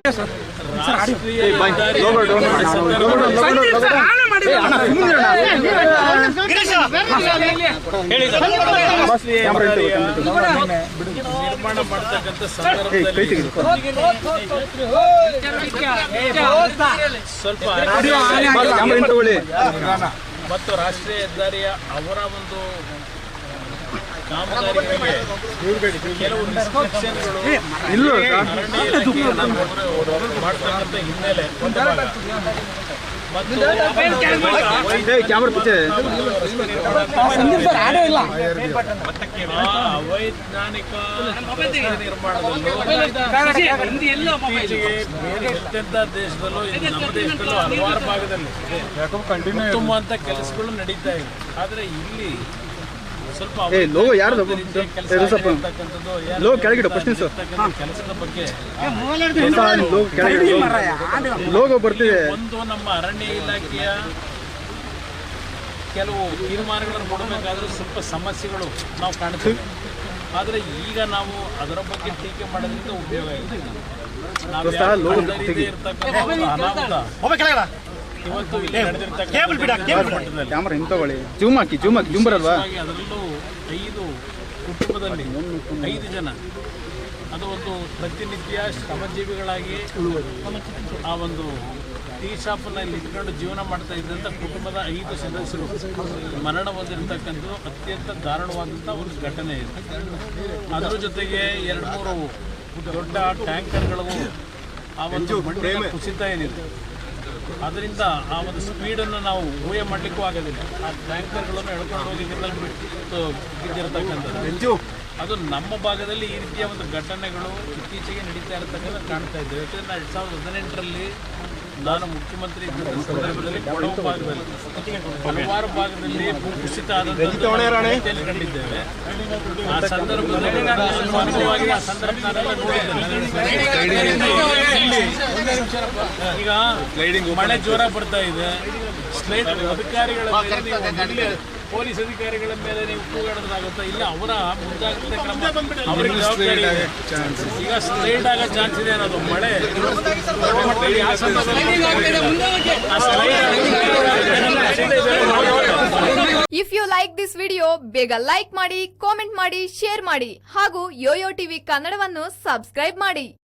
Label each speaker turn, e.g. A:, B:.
A: ರಾಷ್ಟ್ರೀಯ ನಿರ್ಮಾಣ ಮಾಡ್ತಕ್ಕಂಥ ಸಂದರ್ಭದಲ್ಲಿ ಸ್ವಲ್ಪ ಮತ್ತು ರಾಷ್ಟ್ರೀಯ ಹೆದ್ದಾರಿಯ ಅವರ ಒಂದು ಕಾಮಗಾರಿಗಳಿಗೆ ಕೆಲವು ರಿಸ್ಟ್ರಿಕ್ಷನ್ಗಳು ಅರಣ್ಯ ಇಲಾಖೆಯನ್ನು ಮಾಡ್ತಕ್ಕಂಥ ಹಿನ್ನೆಲೆ ಮತ್ತು ಅವೈಜ್ಞಾನಿಕ ನಿರ್ಮಾಣದಲ್ಲೂ ಎಂತೆಂಥ ದೇಶದಲ್ಲೂ ನಮ್ಮ ದೇಶದಲ್ಲೂ ಹಲವಾರು ಭಾಗದಲ್ಲಿ ಉತ್ತಮ ಅಂತ ಕೆಲಸಗಳು ನಡೀತಾ ಇದೆ. ಆದರೆ ಇಲ್ಲಿ ಸ್ವಲ್ಪ ಕೆಲಸದ ಬಗ್ಗೆ ಒಂದು ನಮ್ಮ ಅರಣ್ಯ ಇಲಾಖೆಯ ಕೆಲವು ತೀರ್ಮಾನಗಳನ್ನು ಕೊಡಬೇಕಾದ್ರೂ ಸ್ವಲ್ಪ ಸಮಸ್ಯೆಗಳು ನಾವು ಕಾಣ್ತೀವಿ. ಆದರೆ ಈಗ ನಾವು ಅದರ ಬಗ್ಗೆ ಟೀಕೆ ಮಾಡೋದ್ರಿಂದ ಉಪಯೋಗ ಇದೆ. ಇವತ್ತು ಅದರಲ್ಲೂ 5 ಕುಟುಂಬದಲ್ಲಿ 5 ಜನ ಅದು ಒಂದು ಪ್ರತಿನಿತ್ಯ ಶ್ರಮಜೀವಿಗಳಾಗಿ ಆ ಒಂದು ಟೀ ಶಾಪ್ನಲ್ಲಿ ಇಟ್ಕೊಂಡು ಜೀವನ ಮಾಡ್ತಾ ಇದ್ದಂಥ ಕುಟುಂಬದ 5 ಸದಸ್ಯರು ಮರಣ ಹೊಂದಿರತಕ್ಕಂಥದ್ದು ಅತ್ಯಂತ ದಾರುಣವಾದಂಥ ಒಂದು ಘಟನೆ ಇದೆ. ಅದರ ಜೊತೆಗೆ 2-3 ದೊಡ್ಡ ಟ್ಯಾಂಕರ್ಗಳಿಗೂ ಆ ಒಂದು ಮಣ್ಣಿನ ಕುಸಿತ ಏನಿದೆ ಅದರಿಂದ ಆ ಒಂದು ಸ್ಪೀಡನ್ನು ನಾವು ಊಹೆ ಮಾಡಲಿಕ್ಕೂ ಆಗೋದಿಲ್ಲ. ಆ ಟ್ಯಾಂಕರ್ಗಳನ್ನು ಎಳ್ಕೊಂಡು ಹೋಗಿ ನೀರಲ್ಲಿ ಬಿದ್ದಿರತಕ್ಕಂಥದ್ದು ಅದು ನಮ್ಮ ಭಾಗದಲ್ಲಿ ಈ ರೀತಿಯ ಒಂದು ಘಟನೆಗಳು ಇತ್ತೀಚೆಗೆ ನಡೀತಾ ಇರತಕ್ಕಂಥ ಕಾಣ್ತಾ ಇದ್ದೇವೆ. ಯಾಕಂದರೆ 2018ರಲ್ಲಿ ನಾನು ಮುಖ್ಯಮಂತ್ರಿ ಇದ್ದ ಸಂದರ್ಭದಲ್ಲಿ ಕೊಡಗು ಭಾಗದಲ್ಲಿ ಹಲವಾರು ಭಾಗದಲ್ಲಿ ಭೂಕುಸಿತ ಆದಂಥದ್ದು ಕಂಡಿದ್ದೇವೆ. ಆ ಸಂದರ್ಭದಲ್ಲಿ ಆ ಸಂದರ್ಭ ನಾನೆಲ್ಲ ನೋಡಿದ್ದೇನೆ. ಈಗ ಮಳೆ ಜೋರ ಬರ್ತಾ ಇದೆ. ಸ್ಲೈಡ್ ಅಧಿಕಾರಿಗಳ ಪೊಲೀಸ್ ಅಧಿಕಾರಿಗಳ ಮೇಲೆ ನೀವು ಕೂಗಾಡೋದಾಗುತ್ತಾ? ಇಲ್ಲ, ಅವರ ಮುಂಜಾಗ್ರತೆ ಕ್ರಮ ಅವರಿಗೆ ಜವಾಬ್ದಾರಿ ಇದೆ. ಈಗ ಸ್ಲೈಡ್ ಆಗೋ ಚಾನ್ಸ್ ಇದೆ ಅನ್ನೋದು ಮಳೆ
B: if you like this video ಬೇಗ ಲೈಕ್ ಮಾಡಿ, ಕಾಮೆಂಟ್ ಮಾಡಿ, ಶೇರ್ ಮಾಡಿ ಹಾಗೂ ಯೋಯೋ ಟಿವಿ ಕನ್ನಡವನ್ನು ಸಬ್ಸ್ಕ್ರೈಬ್ ಮಾಡಿ.